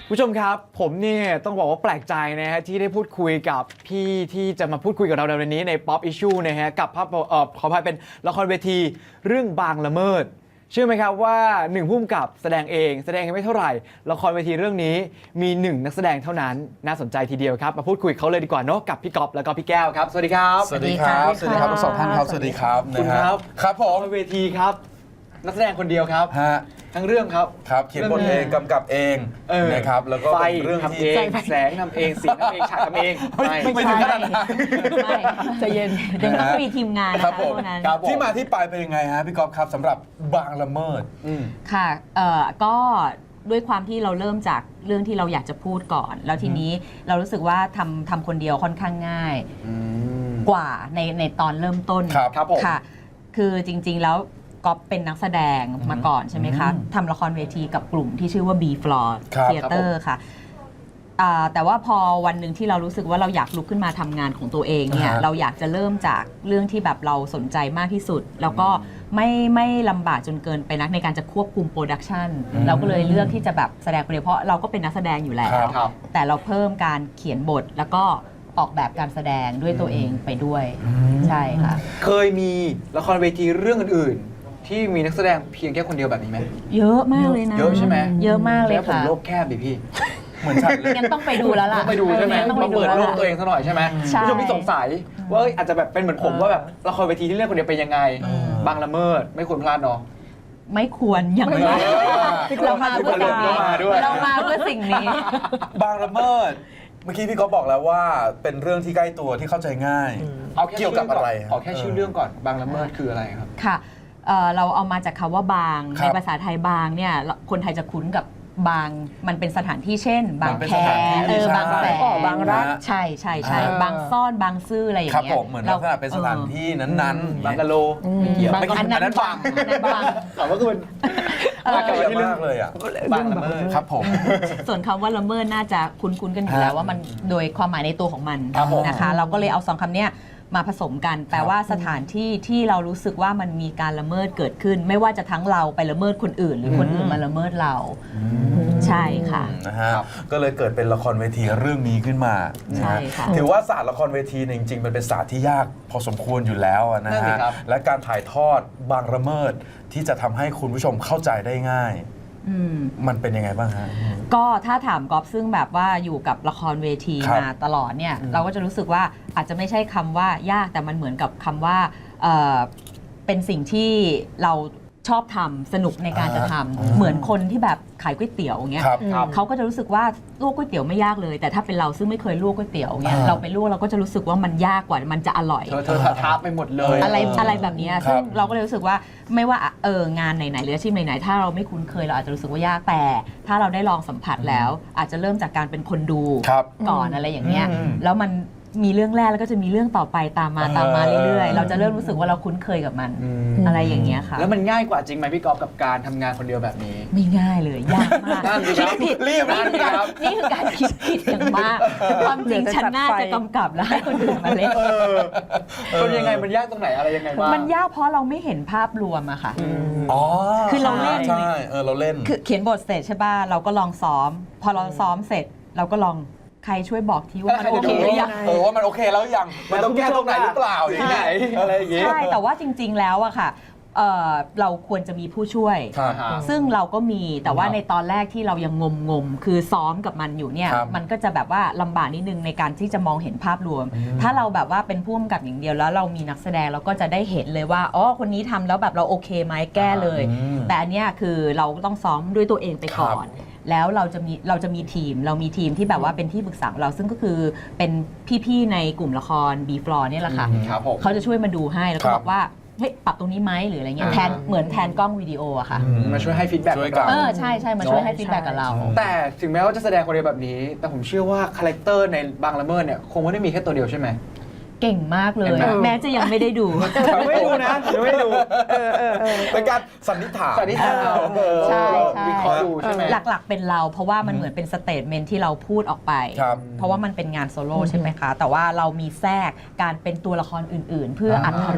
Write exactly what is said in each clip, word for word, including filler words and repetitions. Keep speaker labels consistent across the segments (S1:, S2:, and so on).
S1: ผู้ชมครับผมเนี่ยต้องบอกว่าแปลกใจนะฮะที่ได้พูดคุยกับพี่ที่จะมาพูดคุยกับเราในวันนี้ใน Pop Issue นะฮะกับภาพเอ่อขออภัยเป็นละครเวทีเรื่องบางละเมิดเชื่อไหมครับว่าหนึ่งผู้กำกับแสดงเองแสดงไม่เท่าไหร่ละครเวทีเรื่องนี้มีหนึ่งนักแสดงเท่านั้นน่าสนใจทีเดียวครับมาพูดคุยเขาเลยดีกว่าเนาะกับพี่ก๊อฟแล้วก็พี่แก้วครับสวัสดีครับ
S2: สวัสดีครับสวัสดีครับทั้งสองท่านครับสวัสดีครับ
S1: คุณครับ
S2: ครับผม
S1: ละครเวทีครับนักแสดงคนเดียวครับ
S2: ฮะ
S1: ทั้งเรื่องครับ
S2: ครับเขียนบทเองกำกับเอง
S1: เออ
S2: นะครับแล้วก็
S1: ไฟ
S2: เป็นเรื่อง
S1: ทำเอ
S2: ที่
S1: งแสงทำเองสีทำเองฉากทำเอง
S2: ไม่ไม่ถึงขนาดนั้น
S3: ไม่ใจะเย็นเดี๋ยวต้องมีทีมงาน
S2: ครั
S3: นะ
S2: บ
S3: คะ
S2: ผม
S3: พวกนั้น
S1: ครับผม
S2: ที่มาที่ไปเป็นยังไงฮะพี่ก๊อฟครับสำหรับบางละเมิด
S1: อืม
S3: ค่ะเอ่อก็ด้วยความที่เราเริ่มจากเรื่องที่เราอยากจะพูดก่อน แล้วทีนี้เรารู้สึกว่าทำทำคนเดียวค่อนข้างง่ายกว่าในในตอนเริ่มต้น
S2: ครับ
S1: ครับผม
S3: ค่ะ คือจริงๆแล้วก๊อฟเป็นนักแสดงมาก่อนใช่ไหมคะ
S2: อืม
S3: ทำละครเวทีกับกลุ่มที่ชื่อว่า B Floor
S2: ครับ
S3: Theater ค่ะอ่าแต่ว่าพอวันหนึ่งที่เรารู้สึกว่าเราอยากลุกขึ้นมาทำงานของตัวเองเนี่ย
S2: อ่าฮะ
S3: เราอยากจะเริ่มจากเรื่องที่แบบเราสนใจมากที่สุด แล้วก็ไม่ไม่ลำบากจนเกินไปนักในการจะควบคุมโปรดักชันเราก็เลยเลือกที่จะแบบแสดงคนเดียวเพราะเราก็เป็นนักแสดงอยู่แล้ว
S2: ครับ
S1: ครับ
S3: แต่เราเพิ่มการเขียนบทแล้วก็ออกแบบการแสดงด้วยตัวเองไปด้วย ใช่ค่ะ
S1: เคยมีละครเวทีเรื่องอื่นๆที่มีนักแสดงเพียงแค่คนเดียวแบบนี้ไหม
S3: เยอะมากเลยนะ
S1: เยอะใช่ไหม
S3: เยอะมากเลย
S1: แล้วผม
S3: ค่ะ
S1: โลกแคบดิพี่
S2: เหมือนฉันเลย
S3: งั้นต้องไปดูแล้วล่ะ
S1: ต้องไปดูใช่ไหม
S3: เอองั้นต้องไป
S1: มา
S3: ดู
S1: เปิด
S3: แล้ว
S1: โลก
S3: ล่ะ
S1: ตัวเองซะหน่อยใช่ไหม
S3: ใช่
S1: ผู้ชมที่สงสัยว่าเอ้ยอาจจะแบบเป็นเหมือนผมว่าแบบละครเวทีที่เล่นคนเดียวเป็นยังไง
S2: เออ
S1: บางละเมิดไม่ควรพลาดเนาะ
S3: ไม่ควรอย่างไร
S2: เออ
S3: เรามาเพื่อสิ่งนี้
S1: เรามาด้วย
S3: เรามาเพื่อสิ่งนี้
S2: บางละเมิดเมื่อกี้พี่ก๊อฟบอกแล้วว่าเป็นเรื่องที่ใกล้ตัวที่เข้าใจง่าย
S1: เอาแค่
S2: เกี่ยวกับอะไร
S1: เอาแค่ชื่อเรื่องก่อนบางละเมิดคืออะไรครับ
S3: ค่ะเอ่อเราเอามาจากคำว่าบาง
S2: ครับ
S3: ในภาษาไทยบางเนี่ยคนไทยจะคุ้นกับบางมันเป็นสถานที่เช่น บาง
S2: มันเป็น
S3: แค
S2: สถานที่
S3: เออ
S2: ใช่
S3: บางแสน
S2: อ๋อบางรัก
S3: ใช่ใช่ใช่
S2: อ่า
S3: บางซ่อนบางซื่ออะไรอย่าง
S2: ครับ
S3: เงี้ย
S2: ผมเหมือนลักษณะเป็นสถานที่นั้นๆ
S1: บางกะโลไม่เกี่ยว
S3: บาง
S2: ไม่
S3: อัน
S2: อันนั้
S3: นั้น
S2: น
S3: บางอันนั้นบาง
S1: ถามว่าคือมัน
S3: เออ
S2: เยอะมากเลยอ่ะ
S1: บางละเมิด
S2: ครับผม
S3: ส่วนคำว่าละเมิดน่าจะคุ้นๆกันอยู่แล้ว
S2: ฮะ
S3: ว่ามันโดยความหมายในตัวของมัน
S1: ครับผม
S3: นะคะ เราก็เลยเอาสองคำเนี้ยมาผสมกัน แปลว่าสถานที่ที่เรารู้สึกว่ามันมีการละเมิดเกิดขึ้น ไม่ว่าจะทั้งเราไปละเมิดคนอื่น หรือคนอื่นมาละเมิดเรา ใช่ค่ะ
S2: นะฮะก็เลยเกิดเป็นละครเวทีเรื่องนี้ขึ้นมานะ
S3: ใช่
S2: ฮะ
S3: ค่ะ
S2: ถือว่าศาสตร์ละครเวทีเนี่ยจริงๆมันเป็นศาสตร์ที่ยากพอสมควรอยู่แล้วอะนะ
S1: นั่นสิ
S2: ฮะ
S1: ครับ
S2: และการถ่ายทอดบางละเมิดที่จะทำให้คุณผู้ชมเข้าใจได้ง่าย
S3: อืม
S2: มันเป็นยังไงบ้างฮะ
S3: ก็ถ้าถามกอฟซึ่งแบบว่าอยู่กับละครเวที
S2: ครับ
S3: มาตลอดเนี่ยเราก็จะรู้สึกว่าอาจจะไม่ใช่คำว่ายากแต่มันเหมือนกับคำว่าเอ่อเป็นสิ่งที่เราชอบทำสนุกในการจะทำ
S2: อ่า
S3: เหมือนคนที่แบบขายก๋วยเตี๋ยวอย่างเงี้ย
S2: ครับครับ
S3: เขาก็จะรู้สึกว่าลวกก๋วยเตี๋ยวไม่ยากเลย แต่ถ้าเป็นเราซึ่งไม่เคยลวกก๋วยเตี๋ยวเนี่ย
S2: อ่า
S3: เราไปลวกเราก็จะรู้สึกว่ามันยากกว่ามันจะอร่อย
S1: เธอเธอท้าไปหมดเลย
S3: อะไร
S2: เอออ
S3: อะไรแบบเนี้ย
S2: ครับ
S3: ซึ่งเราก็เลยรู้สึกว่าไม่ว่าเอองานไหนๆหรืออาชีพไหนๆถ้าเราไม่คุ้นเคยเราอาจจะรู้สึกว่ายากแต่ ถ้าเราได้ลองสัมผัสแล้ว อาจจะเริ่มจากการเป็นคนดู
S2: ครับ
S3: ก่อนอะไรอย่างเงี้ย
S2: อืม
S3: แล้วมันมีเรื่องแรกแล้วก็จะมีเรื่องต่อไปตามมา
S2: เออ
S3: ตามมาเรื่อยๆ เราจะเริ่มรู้สึกว่าเราคุ้นเคยกับมัน
S1: อืม
S3: อะไรอย่างเงี้ยค่ะ
S1: แล้วมันง่ายกว่าจริงไหมพี่กอฟกับการทำงานคนเดียวแบบนี้
S3: ไม่ง่ายเลยยากมาก
S1: นั่นสิครับ
S3: ผิด
S2: รีบ
S1: นั่นสิครับ
S3: นี่คือการคิดผิดอย่างมากความจริงฉันน่าจะกำกับแล้วให้คนอื่นมาเล่น
S1: คนยังไงมันยากตรงไหนอะไรยังไงบ้าง
S3: มันยากเพราะเราไม่เห็นภาพรวมอะค่ะ
S2: อ๋อ
S3: คือเราเล่น
S2: ใช่เออเราเล่น
S3: คือเขียนบทเสร็จใช่ป่ะเราก็ลองซ้อม พอเราซ้อมเสร็จ เราก็ลองใครช่วยบอกทีว่ามันโอเคหรือยัง
S2: เออว่ามันโอเคแล้วยังมันต้องแก้ตรงไหนหรือเปล่าอย่างนี้อะไรอย่างงี้
S3: ใช่แต่ว่าจริง ๆ แล้วอะค่ะเอ่อเราควรจะมีผู้ช่วย
S2: ครับ
S3: ซึ่งเราก็มีแต่ว่า
S1: ครับ
S3: ในตอนแรกที่เรายังงมงมๆคือซ้อมกับมันอยู่เนี่ย
S2: ครับ
S3: มันก็จะแบบว่าลำบากนิดนึงในการที่จะมองเห็นภาพรวม
S2: อืม
S3: ถ้าเราแบบว่าเป็นผู้กำกับอย่างเดียวแล้วเรามีนักแสดงเราก็จะได้เห็นเลยว่าอ๋อคนนี้ทำแล้วแบบเราโอเคไหมแก้เลย
S2: อืม
S3: แต่อันเนี้ยคือเราต้องซ้อมด้วยตัวเองไปก่อน แล้วเราจะมีเราจะมีทีม เรามีทีมที่แบบว่าเป็นที่ปรึกษาของเราซึ่งก็คือเป็นพี่ๆในกลุ่มละคร B Floor เนี่ยแหละค่ะ
S1: ครับผม
S3: เขาจะช่วยมาดูให้แล้วก็
S2: ครับ
S3: บอกว่าเฮ้ยปรับตรงนี้ไหมหรืออะไรเงี้ย
S1: อ่า
S3: แทนเหมือนแทนกล้องวิดีโออะค่ะ
S2: อืม
S1: มาช่วยให้ฟีดแบ็ก
S2: ช่วยกัน
S3: เออใช่ใช่มาช่วยให้ฟีดแบ็กกับเรา
S1: แต่ถึงแม้ว่าจะแสดงคนเดียวแบบนี้ แต่ผมเชื่อว่าคาแรคเตอร์ในบางละเมิดเนี่ยคงไม่ได้มีแค่ตัวเดียวใช่ไหม
S3: เก่งมากเลย
S1: เห็นไหม
S3: แม้จะยังไม่ได้ดู
S1: ยังไม่ดูนะยังไม่ดู
S2: เป็นการสันนิษฐาน
S1: สันนิษฐานเอา
S2: เออ
S3: ใช่ใช่
S1: วิเคราะห์ดูใช่ไหม
S3: หลักๆเป็นเราเพราะว่ามันเหมือนเป็นสเตทเมนต์ที่เราพูดออกไป
S2: ครับ
S3: เพราะว่ามันเป็นงานโซโล่ใช่ไหมคะ แต่ว่าเรามีแทรกการเป็นตัวละครอื่นๆ เพื่ออัธรส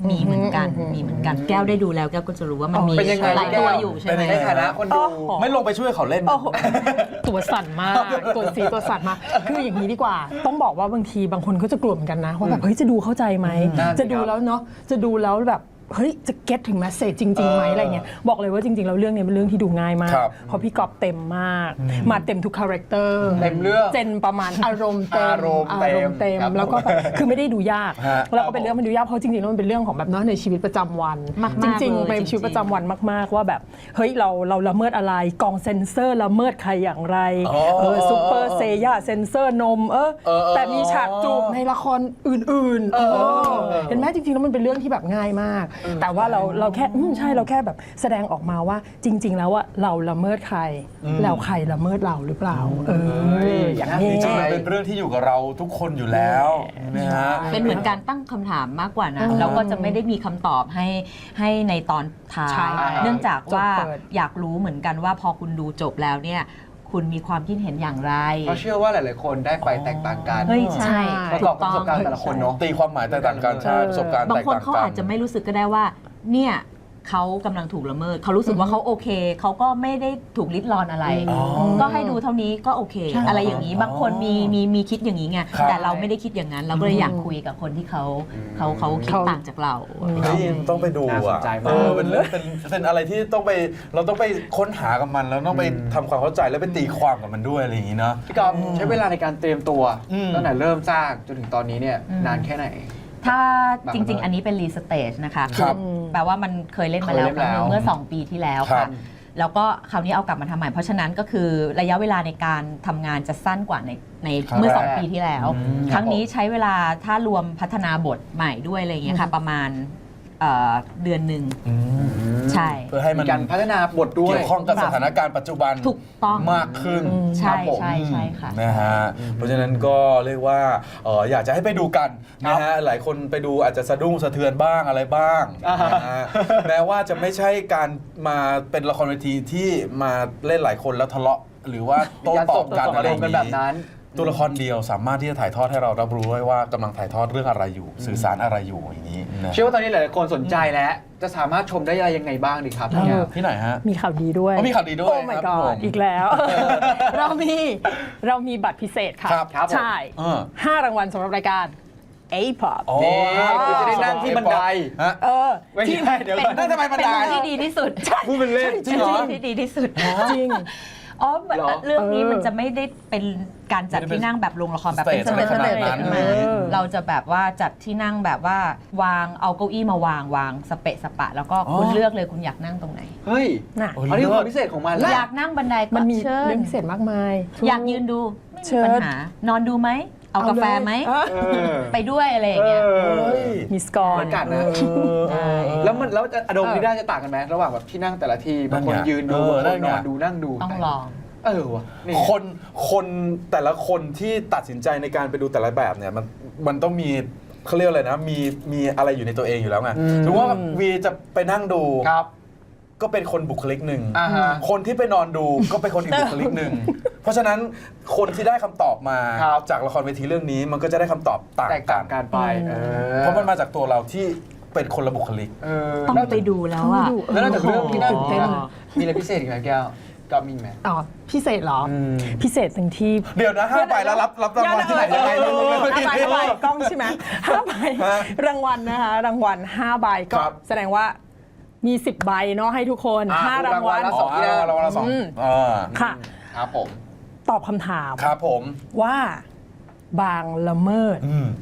S3: มีเหมือนกันมีเหมือนกันแก้วได้ดูแล้วแก้วก็จะรู้ว่ามันมี
S1: เป็นยังไง
S3: หลายตัวอยู่ใช่ไหม
S2: เป็นยัง
S1: ใน
S2: ไง
S1: ฐานะคนดู
S4: โอ้โห
S2: ไม่ลงไปช่วยเขาเล่น
S4: โอ้โหตัวสั่นมากตัวสีตัวสั่นมากคืออย่างนี้ดีกว่า ต้องบอกว่าบางทีบางคนก็จะกลัวเหมือนกันนะว่าแบบเฮ้ยจะดูเข้าใจไหม
S1: นั่นสิ
S4: จะดู
S1: ครับ
S4: แล้วเนาะจะดูแล้วแบบเฮ้ยจะเก็ตถึงแมสเซจจริงๆไหม
S2: เอออ
S4: อะไรเงี้ยบอกเลยว่าจริงๆแล้วเรื่องนี้เป็นเรื่องที่ดูง่ายมาก
S2: ครับ
S4: เพราะพี่กอบเต็มมาก มาเต็มทุกคาแรคเตอร์
S1: เต็มเรื่อง
S4: เจนประมาณอารมณ์เต็ม
S1: อารมณ์เต็ม
S4: เต็ม
S1: ครับ
S4: แล้วก็แบบคือไม่ได้ดูยาก
S2: ฮะ
S4: แล้วก็เป็นเรื่องมันดูยากเพราะจริงๆแล้วมันเป็นเรื่องของแบบเนาะในชีวิตประจำวัน
S3: มากๆ
S4: จริง
S3: เลย
S4: ๆเป็นชีวิต
S3: จริงๆ
S4: ประจำวันมากๆว่าแบบเฮ้ยเราเราละเมิดอะไรกองเซนเซอร์ละเมิดใครอย่างไร
S2: อ๋อ
S4: เออซูเปอร์เซย่าเซนเซอร์นมเออ
S2: เออเออ
S4: แต่มีฉากจูบในละครอื่นๆเออเห็นไหมจริงๆแล้วมันเป็นเรื่องที่แบบง่ายมาก แต่ว่าเราเราแค่อืมใช่เราแค่แบบแสดงออกมาว่าจริง ๆ แล้วว่าเราละเมิดใครแล้วใครละเมิดเราหรือเปล่า เอออย่างนี้
S2: จริงๆมันเป็นเรื่องที่อยู่กับเราทุกคนอยู่แล้วนะฮะ
S3: เป็นเหมือนการตั้งคำถามมากกว่านะแล้วก็จะไม่ได้มีคำตอบให้ให้ในตอนท้า
S4: ใช่
S3: ย เนื่องจากว่า
S4: จบเปิด
S3: อยากรู้เหมือนกันว่าพอคุณดูจบแล้วเนี่ยคุณมีความคิดเห็นอย่างไร
S1: เพราะเชื่อว่าหลาย ๆ คนได้ไปแตกต่างกัน
S3: เฮ้ยใช่
S1: ประกอบกับประสบการณ์แต่ละคนเนาะ
S2: ตีความหมายแตกต่างกันใช่ประสบการณ์
S3: บา
S2: แต
S3: ง
S2: ก
S3: คน
S2: ต่าง
S3: เขา
S2: กัน
S3: อาจจะไม่รู้สึกก็ได้ว่าเนี่ยเขากำลังถูกละเมิดเขารู้สึกว่าเขาโอเคเขาก็ไม่ได้ถูกลิดรอนอะไร
S2: อ๋อ
S3: ก็ให้ดูเท่านี้ก็โอเค อะไรอย่างนี้บางคนมีมีมีคิดอย่างนี้ไง
S2: ครับ
S3: แต่เราไม่ได้คิดอย่างนั้น เราก็เลยอยากคุยกับคนที่เขาเขาเขาคิด
S4: เขา
S3: ต่างจากเรา
S2: เฮ้ยต้องไปดู
S1: น่าส
S2: อ่ะ
S1: นใจมาก
S2: เออเป็นเรื่องเป็นเป็นอะไรที่ต้องไปเราต้องไปค้นหากับมันแล้วต้องไปทำความเข้าใจแล้วไปตีความกับมันด้วยอะไรอย่างนี้เนาะ
S1: พี่กอฟใช้เวลาในการเตรียมตัว
S2: อืม
S1: ตั้งแต่เริ่มสร้างจนถึงตอนนี้เนี่ย
S3: อืม
S1: นานแค่ไหน
S3: ถ้า
S1: บาง
S3: จริง
S1: เรื่อง
S3: ๆ อันนี้เป็นรีสเตจนะคะ
S2: ครับ
S3: อแปลว่ามันเคยเล่นมาแล้ว
S1: เคย
S3: ค
S1: เล่
S3: รั้
S1: น
S3: งห
S1: แล้ว
S3: นึ่งเมื่อ สอง ปีที่แล้ว
S2: ครั
S3: ค่ะ
S2: บ
S3: แล้วก็คราวนี้เอากลับมาทำใหม่ เพราะฉะนั้นก็คือระยะเวลาในการทำงานจะสั้นกว่าในใน
S2: ครั้ง
S3: เมื่อ
S2: แรก
S3: สอง ปีที่แล้ว
S2: อืม
S3: ครั้งนี้ใช้เวลาถ้ารวมพัฒนาบทใหม่ด้วยอะไรอย่างเงี้ยค่ะ ประมาณเอ่อเดือนหนึ่ง
S2: อืม
S3: ใช่
S2: เพื่อให้มัน
S1: มีการพัฒนาบทด้วย
S2: เกี่ยวข้องกับสถานการณ์ปัจจุบัน
S3: ถูกต้อง
S2: มากขึ้น
S3: ใช่
S2: ครับผม
S3: ใช่ใช่ค่ะ
S2: นะฮะเพราะฉะนั้นก็เรียกว่าเอ่ออยากจะให้ไปดูกันนะฮะหลายคนไปดูอาจจะสะดุ้งสะเทือนบ้างอะไรบ้าง
S1: อ่าฮะ
S2: นะฮะแม้ว่าจะไม่ใช่การมาเป็นละครเวทีที่มาเล่นหลายคนแล้วทะเลาะหรือว่าโต้ตอบกัน
S1: ส่ง
S2: อะไร
S1: อา
S2: อ
S1: รม
S2: ย่าง
S1: ณ์กันแบบ
S2: นี้
S1: นั้น
S2: ตัวละครเดียวสามารถที่จะถ่ายทอดให้เรารับรู้ได้ว่ากำลังถ่ายทอดเรื่องอะไรอยู่ สื่อสารอะไรอยู่อย่างนี้นะ
S1: เชื่อว่าตอนนี้หลาย ๆ คนสนใจแล้ว จะสามารถชมได้อะไรยังไงบ้างดีครับ
S4: เออ
S1: เนี่ย
S2: ที่ไหนฮะ
S4: มีข่าวดีด้วย
S2: อ๋อมีข่าวดีด้วย
S4: โอ้ my
S2: ครับผม
S4: god อีกแล้ว เรามีเรามีบัตรพิเศษค่ะ
S2: ครับครับผม
S4: ใช่
S2: เออ
S4: ห้ารางวัลสำหรับรายการ A-pop
S2: อ๋อ
S1: นี่คือจะได้นั่งที่บันได
S2: ฮะ
S4: เออ
S1: ไม่ใช่เดี๋ยวก่อน
S2: นั่นทำไมบันได
S3: เป็นที่ดีที่สุด
S1: พูดเป็นเล่น
S2: จริงเหรอ
S3: ที่ดีที่สุด
S4: จริง
S3: อ๋อ
S1: เหรอ
S3: เรื่องนี้
S4: เออ
S3: มันจะไม่ได้เป็นการจัดที่นั่งแบบโรงละครแบบเป็น
S2: ส
S3: ส
S2: เตจ
S3: เตจส
S2: อะไร
S3: เตจ
S2: ขนาดนั้น
S3: ขึ้นมา
S4: เออ
S3: เราจะแบบว่าจัดที่นั่งแบบว่าวางเอาเก้าอี้มาวางวางสเปะสปะ แล้วก็คุณ
S2: อ๋อ
S3: เลือกเลยคุณอยากนั่งตรงไหน
S1: เฮ้ย
S4: น่ะ
S2: โอ้
S1: อันนี้คือความพิเศษของมันแล้ว
S3: อยากนั่งบันไดก็
S4: มันมี
S3: เชิญ
S4: เรื่องพิเศษมากมาย
S3: อยากยืนดูไม่
S4: เชิ
S3: มี
S4: ญ
S3: ปัญหานอนดูไหมเอากาแฟไหม
S4: เออ
S1: เออ
S3: ไปด้วยอะไรอย่างเงี้ย
S1: เออ
S2: เฮ้ย
S4: มีสกอร์
S1: เหมือนกันนะ
S3: ใช่
S1: แล้วมันแล้วอารมณ์ที่ได้จะต่างกันไหมระหว่างแบบที่นั่งแต่ละทีบางคน
S2: นั่นไง
S1: ยืนดู
S2: เออบ
S1: างคน
S2: นั่นไง
S1: นอนดูนั่งดู
S3: ต้องลอง
S1: เออวะนี่
S2: คนคนแต่ละคนที่ตัดสินใจในการไปดูแต่ละแบบเนี่ยมันมันต้องมีเขาเรียกอะไรนะมีมีอะไรอยู่ในตัวเองอยู่แล้วไงถือว่าวีจะไปนั่งดู
S1: ครับ
S2: ก็เป็นคนบุคลิกหนึ่ง
S1: อ่าฮะ
S2: คนที่ไปนอนดูก็เป็นคนอีกบุคลิกหนึ่งเพราะฉะนั้นคนที่ได้คำตอบมา
S1: ครับ
S2: จากละครเวทีเรื่องนี้มันก็จะได้คำตอบต่าง
S1: แตก
S2: กั
S1: ต่าน งกันไปเออ
S2: เพราะมันมาจากตัวเราที่เป็นคนละบุคลิก
S1: เออ
S3: ต้อง
S1: แล้ว
S3: ไปดูแล้วอ่ะ
S1: แล้วนอกจากเรื่องที่นั่ง
S4: ตื่นเต้น
S1: มีอะไรพิเศษอีกไหมแก้วก็มีไหม
S4: อ๋อพิเศษเหรออ
S1: ม
S4: พิเศษตรงที่
S2: เดี๋ยวนะห้าใบแล้วรับรับรางวัลที่ไหนยังไง
S4: เออ
S2: ไม่
S4: ห้าใบ
S2: ไม่
S4: ห้าใบกล้องใช่ไหมห้าใบ
S2: ฮะ
S4: รางวัลนะคะรางวัลห้าใบก็
S2: ครับ
S4: แสดงว่ามีสิบใบเนาะให้ทุกคน
S1: อ่ะ
S4: ห้ารางวัล
S1: รางวัลละ
S2: อ๋อรางวัลละสอง
S4: อืม
S2: อ่า
S4: ค่ะ
S1: ครับผม
S4: ตอบคำถาม
S2: ครับผม
S4: ว่าบางละเมิด
S2: อืม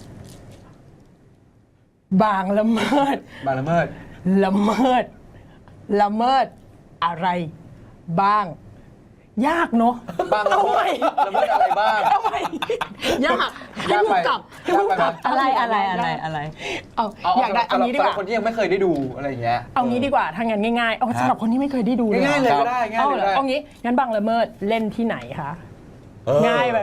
S4: บางละเมิด
S1: บางละเมิด
S4: ละเมิด ละเมิดอะไรบ้าง ยากเนาะ
S1: บางละเมิดละเมิดอะไรบ้าง
S4: ทำไมยากให้
S1: ยาก
S4: พู
S1: ไป
S4: ดกลับให้
S1: ยาก
S4: พูด
S1: ไป
S4: กลับ
S1: ไหม
S3: อะไรอะไรอะไรอะไร
S4: เอา
S1: เอา
S4: อยากได้
S1: สำหรับ
S4: เอางี้ดีกว่า
S1: สำหรับคนที่ยังไม่เคยได้ดูอะไรอย่างเงี้ย
S4: เอางี้ดีกว่าถ้างั้นง่ายๆเอาสำหรับคนที่ไม่เคยได้ดูเลย
S1: ง่ายๆเลย
S4: หรอ
S1: ก็ได้ง่าย
S4: เอา
S1: เลย
S4: เหร
S1: ก็
S4: อ
S1: ได้
S4: เอางี้งั้นบางละเมิดเล่นที่ไหนคะ
S2: เออ
S4: ง่ายไปปะ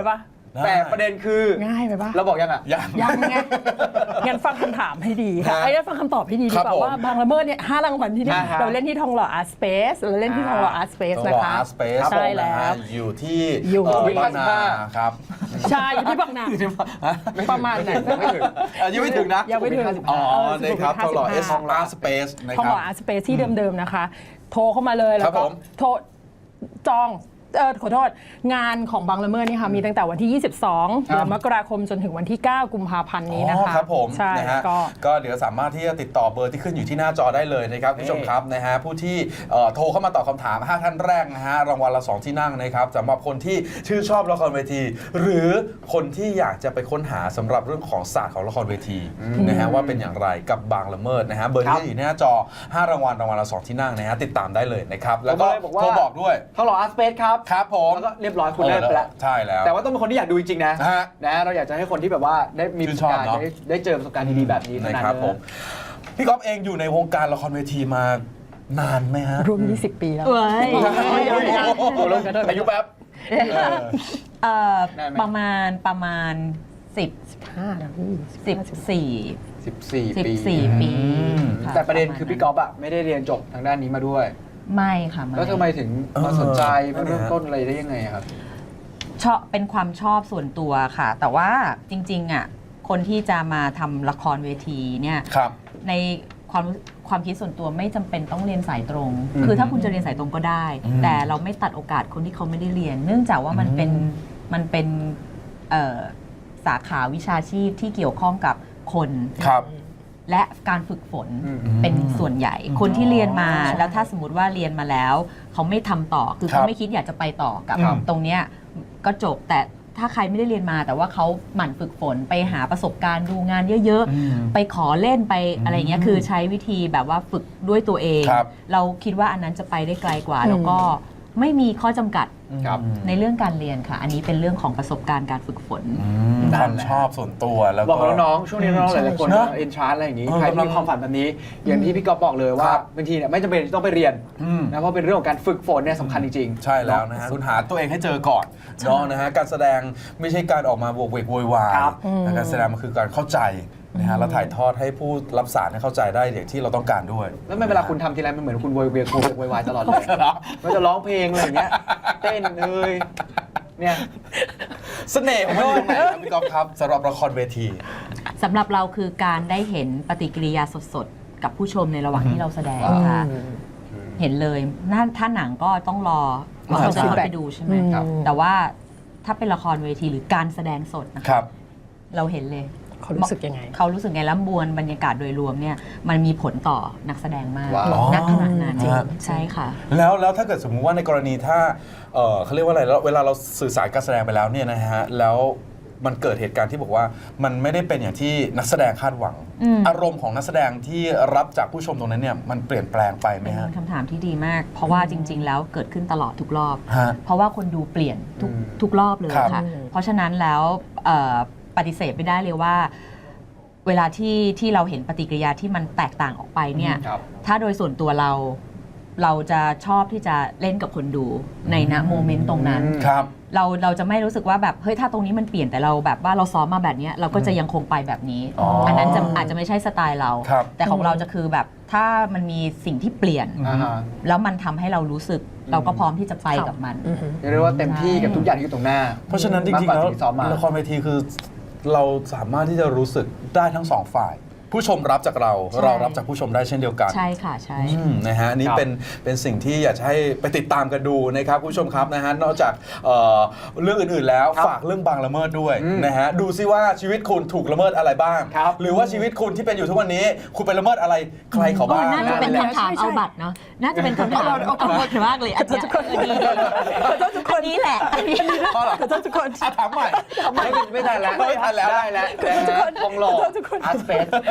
S1: แต่ประเด็นคือ
S4: ง่ายไปปะ
S1: เราบอกยังอ่ะ
S2: ยัง
S4: ยังไงงั้นฟังคำถามให้ดีค่ะ
S2: ฮะ
S4: ไอ้งั้นฟังคำตอบให้ดีดี
S2: ครั
S4: ก
S2: บ
S4: ว่า
S2: ผม
S4: ว่าบางละเมิดเนี่ยห้ารางวัลที่เนี่ย
S1: อ่าฮะ
S4: เราเล่นที่ทองหล่ออาร์ตสเปซเราเล่นที่ทองหล่ออาร์ตสเปซ
S2: ต้อง
S4: นะ
S2: รอ
S4: คะ
S2: อาร์ตสเปซ
S4: ใช่แล้ว
S2: อยู่ที่
S4: อยู่
S2: เอ่อ
S1: ที่
S2: บางนา
S1: ห้าสิบห้า
S2: ครับ
S4: ใช่อยู่ที่บางนาประมาณนั้น
S1: ยังไม่ถึง
S2: เอ่อยังไม่ถึงนะ
S4: ยังไม่ถึง
S2: อ๋อ
S4: เออ
S2: นะครับทองหล่อเอส
S4: สุขุมวิท
S2: อาร์สเปซนะ
S4: ทอง
S2: ค
S4: ห
S2: รับ
S4: ล่ออาร์ตสเปซที่เดิมๆนะคะ โทรเข้ามาเลยแล้
S2: ครั
S4: ว
S2: บ
S4: ก็
S2: ผม
S4: โทรจองเออขอโทษงานของบางละเมิดนี่ค่ะมีตั้งแต่วันที่ ยี่สิบสอง เดือนมกราคมจนถึงวันที่ เก้า กุมภาพันธ์นี้นะ
S2: อ๋อ
S4: คะ
S2: ครับผม
S4: ใช่
S2: นะฮะ
S4: ก็
S2: ก็เดี๋ยวสามารถที่จะติดต่อเบอร์ที่ขึ้นอยู่ที่หน้าจอได้เลยนะครับคุณผู้ชมครับนะฮะผู้ที่เอ่อโทรเข้ามาตอบคำถามห้าท่านแรกนะฮะรางวัลละสองที่นั่งนะครับสำหรับคนที่ชื่นชอบละครเวที หรือคนที่อยากจะไปค้นหาสำหรับเรื่องของศาสตร์ของละครเวทีนะฮะว่าเป็นอย่างไรกับบางละเมิดนะฮะเบอร์ที่ขึ้นอยู่ที่หน้าจอห้ารางวัลรางวัลละสองที่นั่งนะฮะติดตามได้เลยนะครับแล้วก็
S1: ผมเลยบอกว่า
S2: โทรบอกด้วย
S1: ทองหล่ออาร์ตสเปซครับ
S2: ครับผม
S1: แล้วก็เรียบร้อยคุณได้ไปแล้ว
S2: ใช่แล้ว
S1: แต่ว่าต้องเป็นคนที่อยากดูจริงๆนะ
S2: ฮะ
S1: นะเราอยากจะให้คนที่แบบว่าได้มีประสบการณ์
S2: ชื่นชอบเนอะ
S1: ได้ได้เจอประสบการณ์ดีๆแบบนี้เท่า
S2: นะ
S1: นั้น
S2: ครับ
S1: เลย
S2: ผมพี่ก๊อฟเองอยู่ในวงการละครเวทีมานานไหมฮะ
S4: รวม ยี่สิบ ปีแล้ว
S3: เอ้ย
S1: โอ้โหลงอายุแป๊บ
S3: เอ่อ
S1: ได้ไหม
S3: ประมาณประมาณสิบ
S4: ห้าแล้วพี่
S3: สิบสี่
S1: สิบสี่
S3: สิบ
S1: ปี
S3: สี่ปี
S2: อืม
S3: ค่
S1: แต่ประเด็นคือพี่ก๊อฟอะไม่ได้เรียนจบทางด้านนี้มาด้วย
S3: ไม่ค่ะไม่
S1: แล้วทำไมถึงมาสนใจ
S2: เออ
S1: มาเริ่มต้นอะไรได้ยังไงอะครับ
S3: ชอบเป็นความชอบส่วนตัวค่ะ แต่ว่าจริงๆอ่ะคนที่จะมาทำละครเวทีเนี่ย
S2: ครับ
S3: ในความรู้ความคิดส่วนตัวไม่จำเป็นต้องเรียนสายตรง
S2: อืม
S3: คือถ้าคุณจะเรียนสายตรงก็ได้
S2: อืม
S3: แต่เราไม่ตัดโอกาสคนที่เขาไม่ได้เรียน เนื่องจากว่ามันเป็นมันเป็นเอ่อสาขาวิชาชีพที่เกี่ยวข้องกับคน
S2: ครับ
S3: และการฝึกฝน
S1: อืม
S3: เป็นส่วนใหญ่ คนที่เรียนมาแล้วถ้าสมมติว่าเรียนมาแล้ว เขาไม่ทำต่อคือ
S2: ครั
S3: เขา
S2: บ
S3: ไม่คิดอยากจะไปต่อกับ
S2: ครับ
S3: ตรงเนี้ยก็จบแต่ถ้าใครไม่ได้เรียนมา แต่ว่าเขาหมั่นฝึกฝนไปหาประสบการณ์ดูงานเยอะ
S2: อืม
S3: ๆ ไปขอเล่นไปอะไรเงี้ยคือใช้วิธีแบบว่าฝึกด้วยตัวเอง
S2: ครับ
S3: เราคิดว่าอันนั้นจะไปได้ไกลกว่า แล้วก็ไม่มีข้อจำกัด
S1: ครับ
S3: ในเรื่องการเรียนค่ะ อันนี้เป็นเรื่องของประสบการณ์การฝึกฝน
S2: อืมความชอบส่วนตัวแล้ว
S1: บอก
S2: ก็
S1: กับน้องๆช่วงนี้น้องๆหลายๆคน
S2: เนอะ
S1: เอ็นชาร์อะไรอย่างนี้
S2: เออ
S1: ใคร
S2: กำลั
S1: มี
S2: ง
S1: ความฝันแบบนี้ อย่างที่พี่ก๊อฟบอกเลยว่า
S2: ครับ
S1: บางทีเนี่ยไม่จำเป็นต้องไปเรียน
S2: อืม
S1: นะเพราะเป็นเรื่องของการฝึกฝนเนี่ยสำคัญจริงๆ
S2: ใช่แล้วนะฮะคุณหาตัวเองให้เจอก่อนเนาะนะฮะการแสดงไม่ใช่การออกมาบวกเวกโวยวาย
S1: ครับ
S2: แต่การแสดงมันคือการเข้าใจนะฮะแล้วถ่ายทอดให้ผู้รับสารให้เข้าใจได้อย่างที่เราต้องการด้วย
S1: แล้วไม่เวลาคุณทำทีไรมันเหมือนคุณโวยเวียนโวยวายตลอดเลยมันจะร้องเพลงอะไรอย่างเงี้ยเต้นเอ้ยเนี่ย
S2: เสน่ห์ของมันอยู่ตรงไหนครับพี่ก๊อฟครับสำหรับละครเวที
S3: สำหรับเราคือการได้เห็นปฏิกิริยาสดๆ กับผู้ชมในระหว่างที่เราแสดงค่ะ เห็นเลยน่าถ้าหนังก็ต้องรอว่าเขาจะเข้าไปดูใช่ไหม
S1: ครับ
S3: แต่ว่าถ้าเป็นละครเวทีหรือการแสดงสดนะ
S2: ค
S3: คะ
S2: รับ
S3: เราเห็นเลย
S4: เขารู้สึกยังไง
S3: เขารู้สึกไงแล้วมวลบรรยากาศโดยรวมเนี่ยมันมีผลต่อนักแสดงมาก
S1: ว้าว
S3: ณขณะนั้น
S2: จริง
S3: ใช่ค่ะ
S2: แล้วแล้วถ้าเกิดสมมุติว่าในกรณีถ้าเอ่อเขาเรียกว่าอะไรแล้วเวลาเราสื่อสารการแสดงไปแล้วเนี่ยนะฮะแล้วมันเกิดเหตุการณ์ที่บอกว่ามันไม่ได้เป็นอย่างที่นักแสดงคาดหวัง
S3: อืม
S2: อารมณ์ของนักแสดงที่รับจากผู้ชมตรงนั้นเนี่ยมันเปลี่ยนแปลงไปไหม
S3: เป็น
S2: ฮะ
S3: คำถามที่ดีมาก เพราะว่าจริง ๆ แล้วเกิดขึ้นตลอดทุกรอบ
S2: ฮะ
S3: เพราะว่าคนดูเปลี่ยนทุก
S1: อืม
S3: ทุกรอบเลย
S2: ครับ
S3: ค่ะ เพราะฉะนั้นแล้วเอ่อปฏิเสธไม่ได้เลยว่า เวลาที่ที่เราเห็นปฏิกิริยาที่มันแตกต่างออกไปเนี่ย
S1: ครับ
S3: ถ้าโดยส่วนตัวเรา เราจะชอบที่จะเล่นกับคนดูในณโมเมนต์ตรงนั้น
S2: ครับ
S3: เราเราจะไม่รู้สึกว่าแบบเฮ้ยถ้าตรงนี้มันเปลี่ยนแต่เราแบบว่าเราซ้อมมาแบบเนี้ยเราก็จะยังคงไปแบบนี้
S2: อ๋ออั
S3: อันนั้นจะอาจจะไม่ใใช่สไตล์เรา
S2: ครับ
S3: แต่ของเราจะคือแบบถ้ามันมีสิ่งที่เปลี่ยน
S1: อ่าฮะ
S3: แล้วมันทำให้เรารู้สึก เราก็พร้อมที่จะไปกับมัน
S1: เรียกว่าเต็มที่กับทุกอย่างที่อยู่ตรงหน้า
S2: เพราะฉะนั้นจริงๆ
S1: มากก
S2: แล้ว
S1: ว่าที่ซ้อมมา
S2: ละครเวทีคือเราสามารถที่จะรู้สึกได้ทั้งสองฝ่าย ผู้ชมรับจากเรา
S3: ใช่
S2: เรารับจากผู้ชมได้เช่นเดียวกัน
S3: ใช่ค่ะใช่
S2: อืมนะฮะอันนี่
S1: ครับ
S2: เป็นเป็นสิ่งที่อยากจะให้ไปติดตามกันดูนะครับคุณผู้ชมครับนะฮะนอกจากเอ่อเรื่องอื่นๆแล้ว
S1: ครับ
S2: ฝากเรื่องบางละเมิดด้วย
S1: อืม
S2: นะฮะดูซิว่าชีวิตคุณถูกละเมิดอะไรบ้าง
S1: ครับ
S2: หรือว่าชีวิตคุณที่เป็นอยู่ทุกวันนี้ คุณไปละเมิดอะไรใครเขา
S3: โอ้
S2: บ้าง
S3: น่าจะเป็น
S1: นั่นแหละ
S3: คำถาม
S4: ใช่ใช่
S3: เอาบัตรเนาะ น่าจะเป็นคำถามเอาเอาบัตรมากเลยอันเนี้ยเออดีเลยอันนี้แหละอันนี้
S2: เพราะเหรอ
S4: ขอโทษทุกคน
S2: อ่ะถามใหม่
S1: ไม่ไม่ทันแล้ว
S2: ไม่ทันแล้ว
S1: ได้แล้ว
S4: ขอโทษทุกคน
S1: ทองหล่อ
S4: ขอโทษทุกคน
S1: อาร์ตสเปซ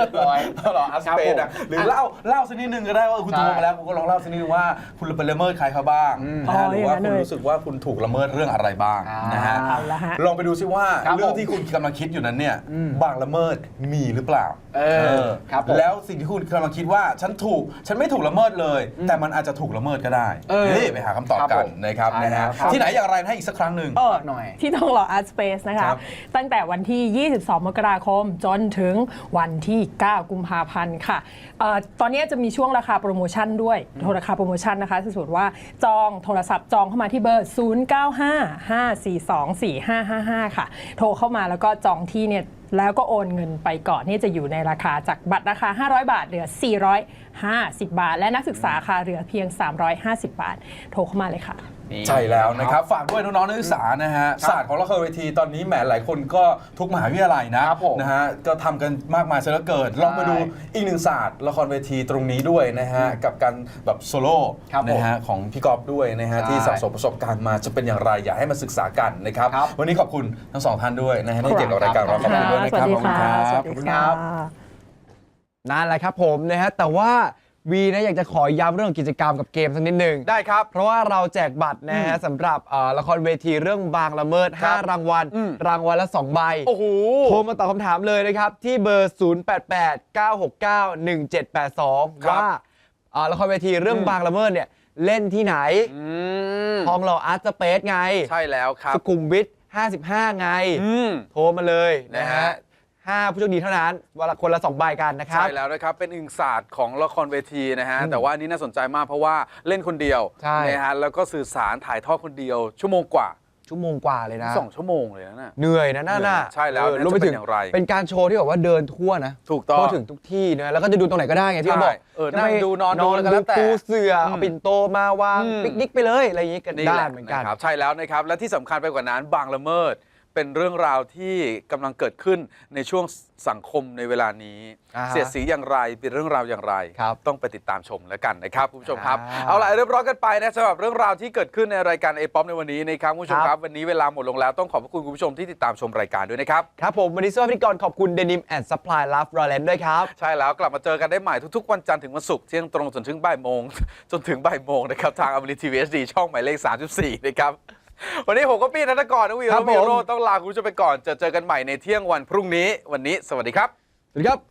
S1: บร้อย
S2: หรออาร์ตสเปซอะหรือเล่าเล่าสักนิดนึงก็ได้ว่าคุณ
S1: ใช่
S2: โทรมาแล้วคุณก็ลองเล่าสักนิดนึงว่าคุณไปละเมิดใครเขาบ้างนะฮะ
S4: อ๋อ
S2: หรือว่า
S4: อย่างนั้
S2: คุณ
S4: นเลย
S2: รู้สึกว่าคุณถูกละเมิดเรื่องอะไรบ้างนะฮะ
S4: เอาละฮะ
S2: ลองไปดูซิว่า
S1: ครับ
S2: เรื่อง
S1: ผม
S2: ที่คุณกำลังคิดอยู่นั้นเนี่ย
S1: อืม
S2: บางละเมิดมีหรือเปล่า
S1: เออครับผม
S2: แล้วสิ่งที่คุณกำลังคิดว่าฉันถูกฉันไม่ถูกละเมิดเลย แต่มันอาจจะถูกละเมิดก็ได้
S1: เออ
S2: นี่ไปหาคำตอบ
S1: ครับ
S2: กั
S1: ผ
S2: น
S1: ม
S2: นะครับ
S1: ใช่
S2: นะฮะ
S1: แล้วครับ
S2: ที่ไหนอย่างไรให้อีกสักครั้งหนึ่ง
S4: เออ
S1: หน่อย
S4: ที่ทองหล่อ Art Space นะคะ
S2: ครับ
S4: ตั้งแต่วันที่ ยี่สิบสอง มกราคม จนถึงวันที่ เก้า กุมภาพันธ์ค่ะเอ่อตอนนี้จะมีช่วงราคาโปรโมชั่นด้วยโทรราคาโปรโมชั่นนะคะสมมติว่าจองโทรศัพท์จองเข้ามาที่เบอร์ ศูนย์ เก้า ห้า ห้า สี่ สอง สี่ ห้า ห้า ห้า ค่ะ โทรเข้ามาแล้วก็จองที่เนี่ยแล้วก็โอนเงินไปก่อนนี่จะอยู่ในราคาจากบัตรราคา ห้าร้อย บาทเหลือ สี่ร้อยห้าสิบ บาท และนักศึกษาค่ะเหลือเพียง สามร้อยห้าสิบ บาท โทรเข้ามาเลยค่ะ
S2: ใช่แล้วนะครับฝากด้วยน้องๆนักศึกษานะฮะศาสตร์ของละครเวทีตอนนี้แหมหลายคนก็ทุกมหาวิทยาลัยนะครับ
S1: ผม
S2: นะฮะก็ทำกันมากมายซะเหลือเกินลองไปดูอีกหนึ่งศาสตร์ละครเวทีตรงนี้ด้วยนะฮะกับการแบบโซโล่
S1: ครับผม
S2: นะฮะของพี่กอฟด้วยนะฮะ
S1: ใช่
S2: ที่สะสมประสบการณ์มาจะเป็นอย่างไรอยากให้มาศึกษากันนะครับ
S1: ครับ
S2: วันนี้ขอบคุณทั้งสองท่านด้วยนะฮะที่เกี่ยวกับรายการเราขอบคุณด้วยนะ
S4: ส
S2: ค
S4: วั
S2: รับ
S4: สดี
S2: ขอบคุณ
S4: ค่ะ
S2: ครับ
S4: สวัสดีค่ะ
S1: นั่นแหละครับผมนะฮะแต่ว่าวีนะอยากจะขอย้ำเรื่องกิจกรรมกับเกมสักนิดหนึ่ง
S2: ได้ครับ
S1: เพราะว่าเราแจกบัตรนะฮะสำหรับเอ่อละครเวทีเรื่องบางละเมิด
S2: ครับ
S1: ห้ารางวัล
S2: อืม
S1: รางวัลละสองใบ
S2: โอ้โห
S1: โทรมาตอบคำถามเลยนะครับ ที่เบอร์ ศูนย์ แปด แปด เก้า หก เก้า หนึ่ง เจ็ด แปด สอง
S2: ครับ
S1: ว่าเอ่อละครเวทีเรื่องบางละเมิดเนี่ยเล่นที่ไหน
S2: อืม
S1: ทองหล่ออาร์ตสเปซไง
S2: ใช่แล้วครับ
S1: สุขุมวิทห้าสิบห้า ไง
S2: อืม
S1: โทรมาเลยนะ
S2: นะ
S1: ฮะ
S2: ฮะ
S1: ห้าผู้โชคดีเท่านั้นวันละคนละสองใบกันนะครับ
S2: ใช่แล้วนะครับ เป็นอีกศาสตร์ของละครเวทีนะฮะ แต่ว่าอันนี้น่าสนใจมากเพราะว่าเล่นคนเดียว
S1: ใช่
S2: นะฮะแล้วก็สื่อสารถ่ายทอดคนเดียว ชั่วโมงกว่า
S1: ชั่วโมงกว่าเลยนะ
S2: สองชั่วโมงเลยนะน่ะ
S1: เหนื่อยนะน่าน่ะ
S2: ใช่แล้ว
S1: เออ
S2: น่าจะ
S1: รวมไปถึง
S2: เป็นอย่างไร
S1: เป็นการโชว์ที่แบบว่าเดินทั่วนะ
S2: ถูกต้อง
S1: ทั่วถึงทุกที่นะแล้วก็จะดูตรงไหนก็ได้ไงที่เขาบอก
S2: ใช่เออนั่งดูนอนดู
S1: นอน
S2: แล้วก็แล้วแต่
S1: ปูเสื่อเอาปิ่นโตมาวาง
S2: อืม
S1: ปิกนิกไปเลยอะไรอย่างนี้กัน
S2: นี่
S1: ได้
S2: แหละ
S1: เหมือนกัน
S2: นะครับใช่แล้วนะครับ และที่สำคัญไปกว่านั้นบางละเมิด เป็นเรื่องราวที่กำลังเกิดขึ้นในช่วงสังคมในเวลานี้
S1: อ่าฮะ
S2: เสียดสีอย่างไรเป็นเรื่องราวอย่างไร
S1: ครับ
S2: ต้องไปติดตามชมแล้วกันนะครับคุณผู้ชมครับ
S1: อ่า
S2: เอาล่ะเรียบร้อยกันไปนะสำหรับเรื่องราวที่เกิดขึ้นในรายการเอป๊อปในวันนี้นะครับคุณผู้ชม
S1: ค
S2: ค
S1: รั
S2: รับ บวันนี้เวลาหมดลงแล้วต้องขอบพระคุณคุณผู้ชมที่ติดตามชมรายการด้วยนะครับ
S1: ครับผมวันนี้สวัสดีก่อนขอบคุณ Denim and Supply Love Roland ด้วยครับ
S2: ใช่แล้วกลับมาเจอกันได้ใหม่ทุกๆวันจันทร์ถึงวันศุกร์เที่ยงตรงจนถึงบ่ายโมง จนถึงบ่ายโมงนะครับทางอมรินทีวีเอสดีช่องหมายเลขสามสิบสี่นะครับวันนี้ผมก็ปี้ธนกรนวี
S1: ครั
S2: และ
S1: บ
S2: วี
S1: ผม
S2: โรจน์ต้องลาคุณผู้ชมไปก่อนจะเจอกันใหม่ในเที่ยงวันพรุ่งนี้วันนี้สวัสดีครับ
S1: สวัสดีครับ